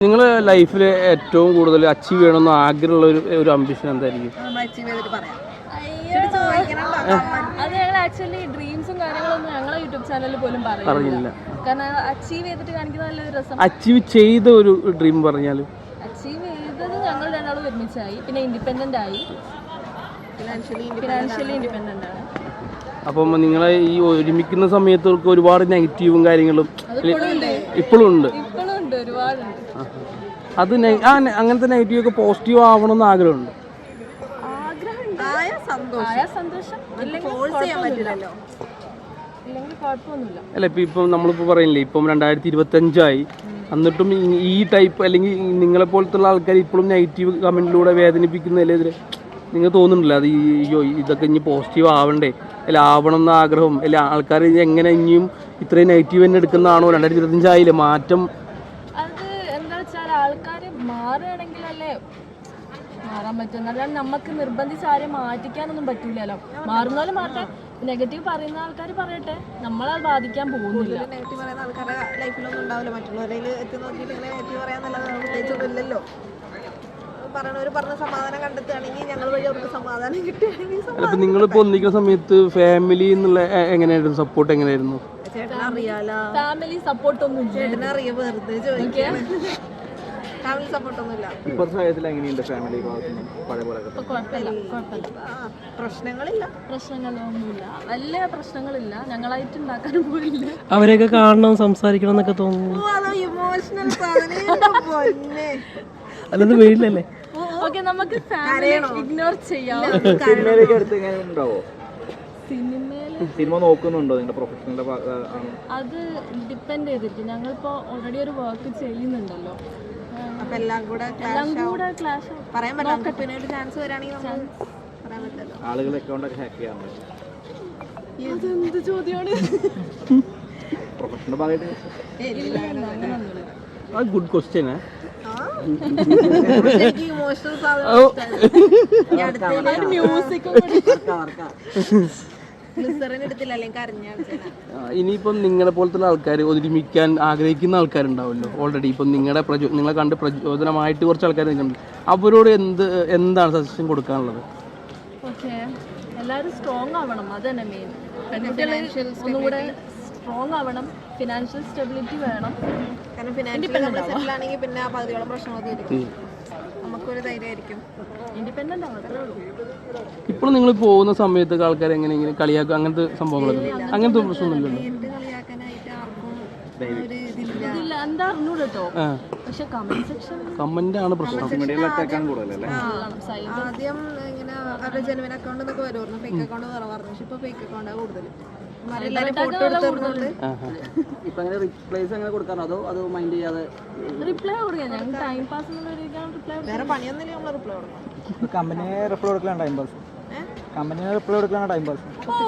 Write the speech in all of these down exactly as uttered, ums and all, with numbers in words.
നിങ്ങളെ ലൈഫിൽ ഏറ്റവും കൂടുതൽ അച്ചീവ് ചെയ്യണമെന്ന് ആഗ്രഹമുള്ള ഒരു ഒരു അംബിഷൻ എന്തായിരിക്കും? അത് ഞങ്ങൾ ആക്ച്വലി ഡ്രീംസും കാര്യങ്ങളൊന്നും ഞങ്ങളെ യൂട്യൂബ് ചാനലിൽ പോലും പറയുന്നില്ല. കാരണം അച്ചീവ് ചെയ്തിട്ട് കാണിക്കുന്ന നല്ലൊരു രസം. അച്ചീവ് ചെയ്ത ഒരു ഡ്രീം പറഞ്ഞാൽ അച്ചീവ് ചെയ്തത് ഞങ്ങൾ രണ്ടാളും ഒരുമിച്ചായി, പിന്നെ ഇൻഡിപെൻഡന്റ് ആയി, ഫിനാൻഷ്യലി ഫിനാൻഷ്യലി ഇൻഡിപെൻഡന്റ് ആണ്. അപ്പം നിങ്ങളെ ഈ ഒരുമിക്കുന്ന സമയത്ത് ഒരുപാട് നെഗറ്റീവും കാര്യങ്ങളും ഇപ്പോഴും ഉണ്ട് ഇപ്പോഴും ഉണ്ട് ഒരുപാടുണ്ട്. അത് ആ അങ്ങനത്തെ നെഗറ്റീവ് ഒക്കെ പോസിറ്റീവ് ആവണമെന്ന് ആഗ്രഹമുണ്ട്. അല്ല ഇപ്പം ഇപ്പം നമ്മളിപ്പോൾ പറയുന്നില്ലേ, ഇപ്പം രണ്ടായിരത്തി ഇരുപത്തി അഞ്ചായി, എന്നിട്ടും ഈ ടൈപ്പ് അല്ലെങ്കിൽ നിങ്ങളെ പോലത്തുള്ള ആൾക്കാർ ഇപ്പോഴും നെഗറ്റീവ് കമൻറ്റിലൂടെ വേദനിപ്പിക്കുന്നതിലെതിരെ നിങ്ങൾ തോന്നുന്നില്ല അത് ഈ ഇതൊക്കെ ഇനി പോസിറ്റീവ് ആവണ്ടേ, അല്ല ആവണം എന്ന ആഗ്രഹം, അല്ല ആൾക്കാർ എങ്ങനെ ഇനിയും ഇത്രയും നെഗറ്റീവ് തന്നെ എടുക്കുന്നതാണോ? രണ്ടായിരത്തി ഇരുപത്തഞ്ചായില്ലേ മാറ്റം. അത് എന്താ വെച്ചാൽ ആൾക്കാർ മാറുകയാണെങ്കിലല്ലേ മാറാൻ പറ്റും, അല്ലാണ്ട് നമുക്ക് നിർബന്ധിച്ച് ആരെയും മാറ്റിക്കാനൊന്നും പറ്റില്ലല്ലോ. മാറുന്നാലും മാറട്ടെ, നെഗറ്റീവ് പറയുന്ന ആൾക്കാർ പറയട്ടെ, നമ്മളത് ബാധിക്കാൻ പോകുന്നില്ല. നെഗറ്റീവ് പറയുന്ന ആൾക്കാരുടെ ലൈഫിലൊന്നും ഉണ്ടാവില്ല, മറ്റുള്ളവരിൽ എത്തി നോക്കിയിട്ട് ഇങ്ങനെ നെഗറ്റീവ് പറയാന്നുള്ളത് പ്രത്യേകിച്ചൊന്നുമില്ലല്ലോ. പറയണവർ പറഞ്ഞ സമാധാനം കണ്ടെത്തുകയാണെങ്കിൽ ഞങ്ങൾ വഴി അവർക്ക് സമാധാനം കിട്ടുകയാണെങ്കിൽ. നിങ്ങളിപ്പോ ഒന്നിക്കുന്ന സമയത്ത് ഫാമിലി എന്നുള്ള എങ്ങനെയായിരുന്നു സപ്പോർട്ട്? എങ്ങനെയായിരുന്നു? ചേട്ടനെ അറിയാലോ, ഫാമിലി സപ്പോർട്ട് ഒന്നും ചേട്ടനെ അറിയാം, വെറുതെ ചോദിക്കാൻ. ഫാമിലി സപ്പോർട്ടൊന്നുമില്ല. പ്രശ്നങ്ങളില്ല പ്രശ്നങ്ങളൊന്നുമില്ല വലിയ പ്രശ്നങ്ങളില്ല. ഞങ്ങളായിട്ട് ഉണ്ടാക്കാനും പോയില്ല. അവരെയൊക്കെ കാണണം, സംസാരിക്കണം എന്നൊക്കെ തോന്നുന്നു. ഇമോഷണൽ അല്ലത് വീട്ടിലല്ലേ. ഓക്കെ, നമുക്ക് ഇഗ്നോർ ചെയ്യാം. സിനിമ നോക്കുന്നുണ്ടോ നിങ്ങളുടെ പ്രൊഫഷണൽ? അത് ഡിപ്പെൻഡ് ചെയ്തിരിക്കും. ഞങ്ങളിപ്പോ ഓൾറെഡി ഒരു വർക്ക് ചെയ്യുന്നുണ്ടല്ലോ, അപ്പൊ എല്ലാം കൂടെ എല്ലാം കൂടെ ക്ലാഷ് പറയാൻ പറ്റില്ല. പിന്നെ ഒരു ചാൻസ് വരാണെങ്കിൽ പറയാൻ പറ്റില്ല. ആളുകൾ അക്കൗണ്ട് ഒക്കെ ഹാക്ക് ചെയ്യാൻ എന്ത് ചോദ്യമാണ്? പ്രൊഫഷണൽ ഭാഗമായിട്ട് ഗുഡ് ക്വസ്റ്റ്യൻ. ഇനിയിപ്പം നിങ്ങളെ പോലത്തെ ആൾക്കാർ ഒരുമിക്കാൻ ആഗ്രഹിക്കുന്ന ആൾക്കാരുണ്ടാവുമല്ലോ ഓൾറെഡി. ഇപ്പം നിങ്ങളുടെ പ്രചോ നിങ്ങളെ കണ്ട് പ്രചോദനമായിട്ട് കുറച്ച് ആൾക്കാർ നിൽക്കുന്നുണ്ട്. അവരോട് എന്ത് എന്താണ് സജഷൻ കൊടുക്കാനുള്ളത്? ഓക്കെ, എല്ലാവരും സ്ട്രോങ് ആവണം, അത് തന്നെ മെയിൻ. പെൺകുട്ടികളെ ഒന്നുകൂടെ സ്ട്രോങ് ആവണം, ഫിനാൻഷ്യൽ സ്റ്റെബിലിറ്റി വേണം. കാരണം ഫിനാൻഷ്യലി നമ്മൾ സെറ്റിൽ ആണെങ്കിൽ പിന്നെ ആ പകുതിയോളം പ്രശ്നമൊക്കെ ഇരിക്കും, നമുക്കൊരു ധൈര്യമായിരിക്കും. ഇൻഡിപെൻഡന്റ് ആവും, അത്രേ ഉള്ളൂ. ഇപ്പോൾ നിങ്ങൾ പോകുന്ന സമയത്ത് ആൾക്കാർ എങ്ങനെ ഇങ്ങനെ കളിയാക്കുക അങ്ങനത്തെ സംഭവങ്ങളൊക്കെ? അങ്ങനത്തെ പ്രശ്നമൊന്നുമില്ലല്ലോ. കളിയാക്കാനായിട്ട് ആർക്കും ഒരു ഇതില്ല. എന്താ അറിഞ്ഞൂടെ കേട്ടോ, പക്ഷെ കമന്റ് സെക്ഷൻ കമന്റ് ആണ് പ്രശ്നം. ആദ്യം ഇങ്ങനെ അവരുടെ ജെനുവിൻ അക്കൗണ്ട് എന്നൊക്കെ വരുമായിരുന്നു, ഫേക്ക് അക്കൗണ്ട് കുറവായിരുന്നു. പക്ഷെ ഇപ്പൊ ഫേക്ക് അക്കൗണ്ടാണ് കൂടുതൽ. റിപ്ലൈ കൊടുക്കാം, ഞങ്ങൾ ടൈം പാസ് വേറെ പണിയൊന്നുമില്ല, നമ്മൾ റിപ്ലൈ കൊടുക്കണം. കമ്പനിയെ റിപ്ലൈ കൊടുക്കലാണ് ടൈം പാസ്. കമ്പനിയെ റിപ്ലൈ കൊടുക്കലാണ് ടൈം പാസ്.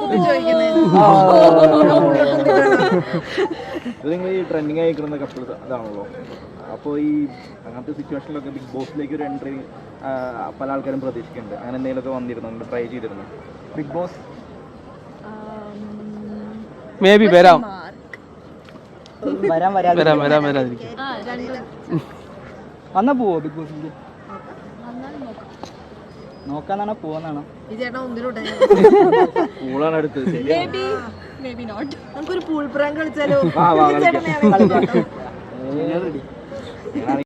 ഇത് നിങ്ങൾ ഈ ട്രെൻഡിങ് ആയിക്കുന്ന കപ്പിൾസ് അതാണല്ലോ. അപ്പോൾ ഈ അങ്ങനത്തെ സിറ്റുവേഷനിലൊക്കെ ബിഗ് ബോസിലേക്ക് ഒരു എൻട്രി പല ആൾക്കാരും പ്രതീക്ഷിക്കുന്നുണ്ട്. അങ്ങനെ എന്തെങ്കിലുമൊക്കെ വന്നിരുന്നു, നിങ്ങൾ ട്രൈ ചെയ്തിരുന്നു? ബിഗ് ബോസ് മേ ബി വരാം വരാൻ വരാം വരാം വരാതിരിക്കും. വന്നാ പോവോ ബിഗ് ബോസിൽ? നോക്കാന്നാണോ പോവാന്നാണോ? ഈ ചേട്ടൻ ഒന്നിലൂടെ പൂളാണ് അടുത്തത്. നമുക്കൊരു പൂൾ പ്രാങ്ക് കളിച്ചാലോ?